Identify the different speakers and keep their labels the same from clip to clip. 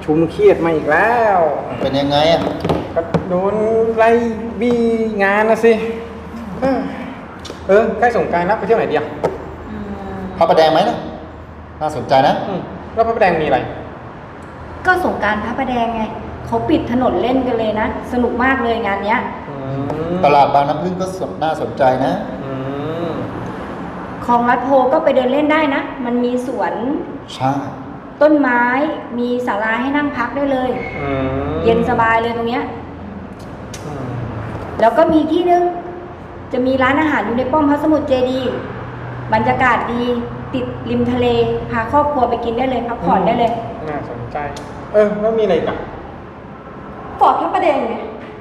Speaker 1: ชุมเครียดมาอีกแล้ว
Speaker 2: เป็นยังไงอ่ะ
Speaker 1: ก็โดนไล่บี้งานนะสิใกล้สงกรานต์แล้วไปเที่ยวไหนดีอ่ะ
Speaker 2: พระประแดงไหมนะน่าสนใจนะ
Speaker 1: แล้วพระประแดงมีอะไร
Speaker 3: ก็สงกรานต์พระประแดงไงเขาปิดถนนเล่นกันเลยนะสนุกมากเลยงานเนี้ย
Speaker 2: ตลาดบางน้ำพึ่งก็น่าสนใจนะ
Speaker 3: คลองลัดโพก็ไปเดินเล่นได้นะมันมีสวน
Speaker 2: ใช่
Speaker 3: ต้นไม้มีศาลาให้นั่งพักได้เลยเย็นสบายเลยตรงเนี้ยแล้วก็มีที่นึงจะมีร้านอาหารอยู่ในป้อมพระสมุทรเจดีย์บรรยากาศดีติดริมทะเลพาครอบครัวไปกินได้เลยพักผ่อนได้เลย
Speaker 1: น่าสนใจแล้วมีอะไรกัน
Speaker 3: ฟอร์ดพระประแดงไง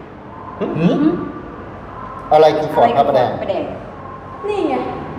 Speaker 2: อะไรคือฟอร์ดพระประแดง
Speaker 3: นี่ไง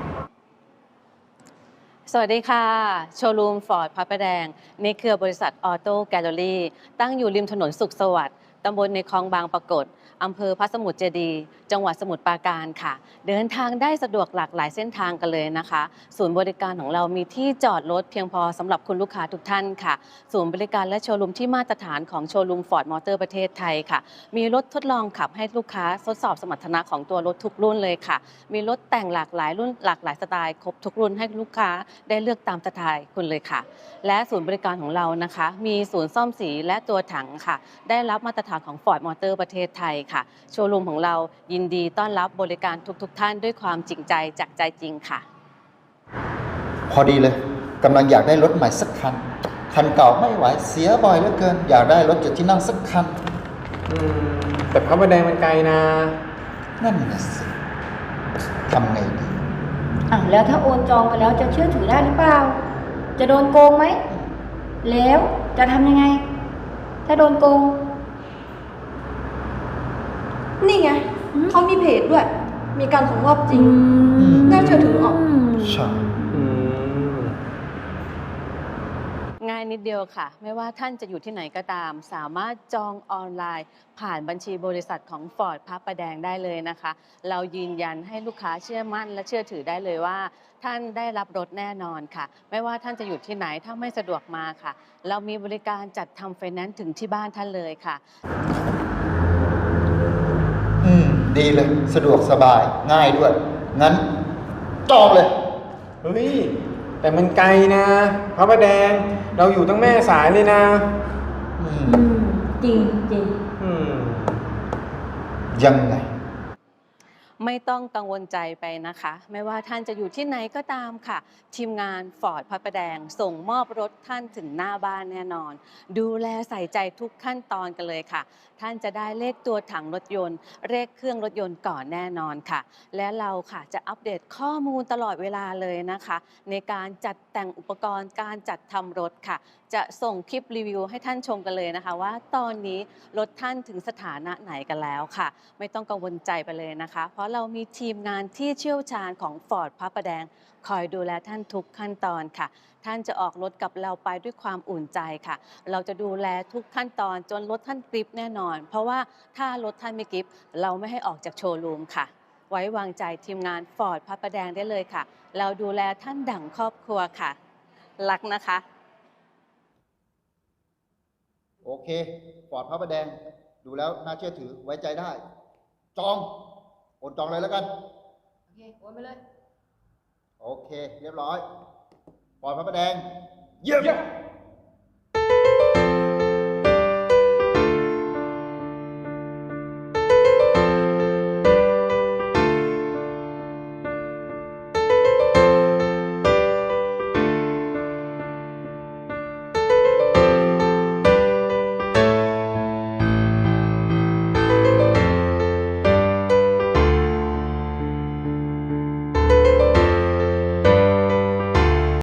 Speaker 4: สวัสดีค่ะโชว์รูมฟอร์ดพระประแดงในเครือบริษัทออโต้แกลเลอรี่ตั้งอยู่ริมถนนสุขสวัสดิ์ตำบลในคลองบางปรากฏอำเภอพระสมุทรเจดีย์จังหวัดสมุทรปราการค่ะเดินทางได้สะดวกหลากหลายเส้นทางกันเลยนะคะศูนย์บริการของเรามีที่จอดรถเพียงพอสำหรับคุณลูกค้าทุกท่านค่ะศูนย์บริการและโชว์รูมที่มาตรฐานของโชว์รูมฟอร์ดมอเตอร์ประเทศไทยค่ะมีรถทดลองขับให้ลูกค้าทดสอบสมรรถนะของตัวรถทุกรุ่นเลยค่ะมีรถแต่งหลากหลายรุ่นหลากหลายสไตล์ครบทุกรุ่นให้ลูกค้าได้เลือกตามสไตล์คุณเลยค่ะและศูนย์บริการของเรานะคะมีศูนย์ซ่อมสีและตัวถังค่ะได้รับมาตรฐานของ Ford Motor ประเทศไทยค่ะโชว์รูมของเรายินดีต้อนรับบริการทุกท่านด้วยความจริงใจจากใจจริงค่ะ
Speaker 2: พอดีเลยกำลังอยากได้รถใหม่สักคันเก่าไม่ไหวเสียบ่อยเหลือเกินอยากได้รถ7 ที่นั่งสักคัน
Speaker 1: แต่พระประแดงมันไกลนะ
Speaker 2: นั่นน่ะสิทำไงดี
Speaker 3: แล้วถ้าโอนจองไปแล้วจะเชื่อถือได้หรือเปล่าจะโดนโกงไหมแล้วจะทำยังไงถ้าโดนโกง
Speaker 5: นี่ไงเขามีเพจด้วยมีการส่งมอบจริงน่าเชื่อถือออก
Speaker 2: ใช่
Speaker 4: ง่ายนิดเดียวค่ะไม่ว่าท่านจะอยู่ที่ไหนก็ตามสามารถจองออนไลน์ผ่านบัญชีบริษัทของ Ford พระประแดงได้เลยนะคะเรายืนยันให้ลูกค้าเชื่อมั่นและเชื่อถือได้เลยว่าท่านได้รับรถแน่นอนค่ะไม่ว่าท่านจะอยู่ที่ไหนถ้าไม่สะดวกมาค่ะเรามีบริการจัดทำไฟแนนซ์ถึงที่บ้านท่านเลยค่ะ
Speaker 2: ดีเลยสะดวกสบายง่ายด้วยงั้นจองเลย
Speaker 1: แต่มันไกลนะพระประแดงเราอยู่ตั้งแม่สายเลยนะ
Speaker 3: จริงจริง
Speaker 2: ยังไง
Speaker 4: ไม่ต้องกังวลใจไปนะคะไม่ว่าท่านจะอยู่ที่ไหนก็ตามค่ะทีมงานฟอร์ดพระประแดงส่งมอบรถท่านถึงหน้าบ้านแน่นอนดูแลใส่ใจทุกขั้นตอนกันเลยค่ะท่านจะได้เลขตัวถังรถยนต์เลขเครื่องรถยนต์ก่อนแน่นอนค่ะและเราค่ะจะอัปเดตข้อมูลตลอดเวลาเลยนะคะในการจัดแต่งอุปกรณ์การจัดทำรถค่ะจะส่งคลิปรีวิวให้ท่านชมกันเลยนะคะว่าตอนนี้รถท่านถึงสถานะไหนกันแล้วค่ะไม่ต้องกังวลใจไปเลยนะคะเพราะเรามีทีมงานที่เชี่ยวชาญของ Ford พระประแดงคอยดูแลท่านทุกขั้นตอนค่ะท่านจะออกรถกับเราไปด้วยความอุ่นใจค่ะเราจะดูแลทุกขั้นตอนจนรถท่านกริปแน่นอนเพราะว่าถ้ารถท่านไม่กริปเราไม่ให้ออกจากโชว์รูมค่ะไว้วางใจทีมงาน Ford พระประแดงได้เลยค่ะเราดูแลท่านดั่งครอบครัวค่ะรักนะคะ
Speaker 2: โอเคฟอร์ดพระประแดงดูแล้วน่าเชื่อถือไว้ใจได้จองโอนจองเลยแล้วกัน
Speaker 3: โอเคโอนไปเลย
Speaker 2: โอเคเรียบร้อยฟอร์ดพระประแดงเยี่ยม